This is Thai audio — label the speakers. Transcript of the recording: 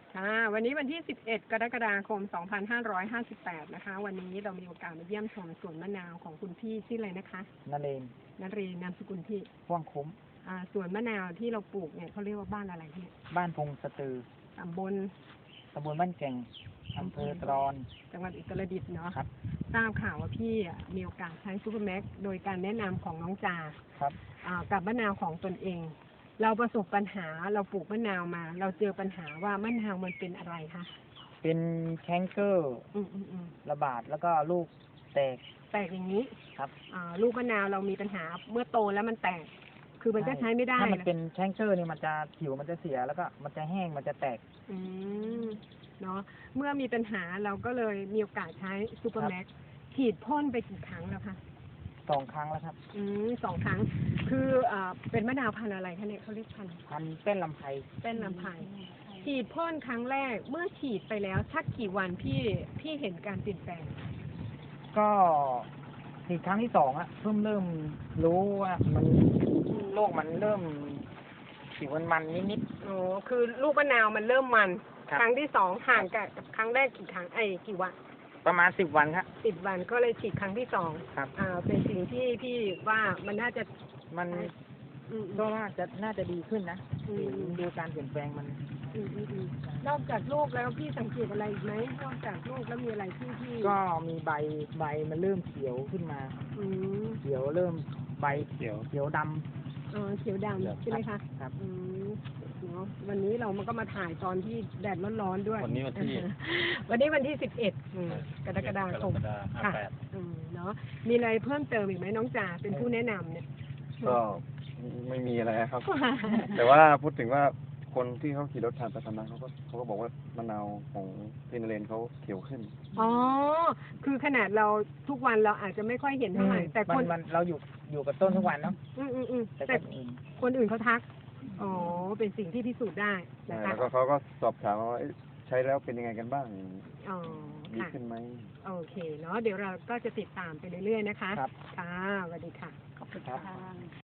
Speaker 1: ค่ะวันนี้วันที่ 11 กรกฎาคม 2558 นะคะ วันนี้เรามีโอกาสมาเยี่ยมชมสวนมะนาวของคุณพี่ชื่ออะไรนะคะ
Speaker 2: นเรน
Speaker 1: นเรนนามสกุลพี่
Speaker 2: พ่วงคุ้ม
Speaker 1: สวนมะนาวที่เราปลูกเนี่ยเขาเรียกว่าบ้านอะไรเนี่ย
Speaker 2: บ้านพงสตือ
Speaker 1: ตำบล
Speaker 2: บ้านแก่งอำเภอตรอน
Speaker 1: จังหวัดอุตรดิตถ์เนาะ
Speaker 2: ครับ
Speaker 1: ทราบข่าวว่าพี่มีโอกาสใช้ซูเปอร์แม็กโดยการแนะนำของน้องจา
Speaker 2: ครับ
Speaker 1: กับมะนาวของตนเองเราประสบปัญหาเราปลูกมะนาวมาเราเจอปัญหาว่ามะนาวมันเป็นอะไรคะ
Speaker 2: เป็นแคนเกอร์ระบาดแล้วก็ลูกแตก
Speaker 1: อย่างนี้
Speaker 2: ครับ
Speaker 1: ลูกมะนาวเรามีปัญหาเมื่อโตแล้วมันแตกคือมันก็ใช้ไม่ได้
Speaker 2: ถ้ามันเป็นแคนเกอร์นี่มันจะผิวมันจะเสียแล้วก็มันจะแห้งมันจะแตก
Speaker 1: เนาะเมื่อมีปัญหาเราก็เลยมีโอกาสใช้ซูเปอร์แม็กฉีดพ่นไปกี่ครั้งแล้วคะ
Speaker 2: 2 ครั้งแล้วครับ
Speaker 1: 2 ครั้งคือเป็นมะนาวพันธุ์อะไรคะเนี่ยเขาเรียกพันธุ์
Speaker 2: เต้นลำไพ
Speaker 1: ฉีดพ่นครั้งแรกเมื่อฉีดไปแล้วสักกี่วันพี่เห็นการเปลี่ยนแปลง
Speaker 2: ก็ฉีดครั้งที่2อะเริ่มรู้ว่ามันโรคมันเริ่มผิวมันนิด
Speaker 1: ๆคือลูกมะนาวมันเริ่มมันครั้งที่2ห่างกับครั้งแรกกี่ครั้งกี่วัน
Speaker 2: ประมาณ10 วันครับ
Speaker 1: 10 วันก็เลยฉีดครั้งที่2
Speaker 2: ครับ
Speaker 1: เป็นสิ่งที่พี่ว่ามันน่าจะ
Speaker 2: ก็น่าจะดีขึ้นนะดูการเปลี่ยนแปลงมัน
Speaker 1: นอกจากลูกแล้วพี่สังเกตอะไรอีกไหมนอกจากลูกแล้วมีอะไรที่
Speaker 2: ก็มีใบมันเริ่มเขียวขึ้นมาเขียวเริ่มใบเขียวดำ
Speaker 1: เขียวดำใช่ไหมคะ
Speaker 2: ครับ
Speaker 1: เนาะวันนี้เรามันก็มาถ่ายตอนที่แดดร้อนๆด้วย
Speaker 3: วันนี้วัน
Speaker 1: ที่11กรกฎาคมค่ะเนาะมีอะไรเพิ่มเติมอีกไหมน้องจ่าเป็นผู้แนะนำเนี่ย
Speaker 3: ก็ไม่มีอะไรครับ แต่ว่าพูดถึงว่าคนที่เขาขี่รถผ่านไปผ่านมาเขาก็บอกว่ามะนาวของพี่นเรนเขาเขียวขึ้น
Speaker 1: คือขนาดเราทุกวันเราอาจจะไม่ค่อยเห็นเท่าไหร่แต่คน
Speaker 2: เราอยู่กับต้นทุกวันเนาะ
Speaker 1: แต่คนอื่นเขาทักเป็นสิ่งที่พิสูจน์ได้นะคะ
Speaker 3: แล้วก็เขาก็สอบถามว่าใช้แล้วเป็นยังไงกันบ้างดีขึ้นไหม
Speaker 1: โอเคเนาะเดี๋ยวเราก็จะติดตามไปเรื่อยๆนะคะ
Speaker 2: ครับ
Speaker 1: ค่ะสวัสดีค่ะ
Speaker 2: ขอบคุณครับ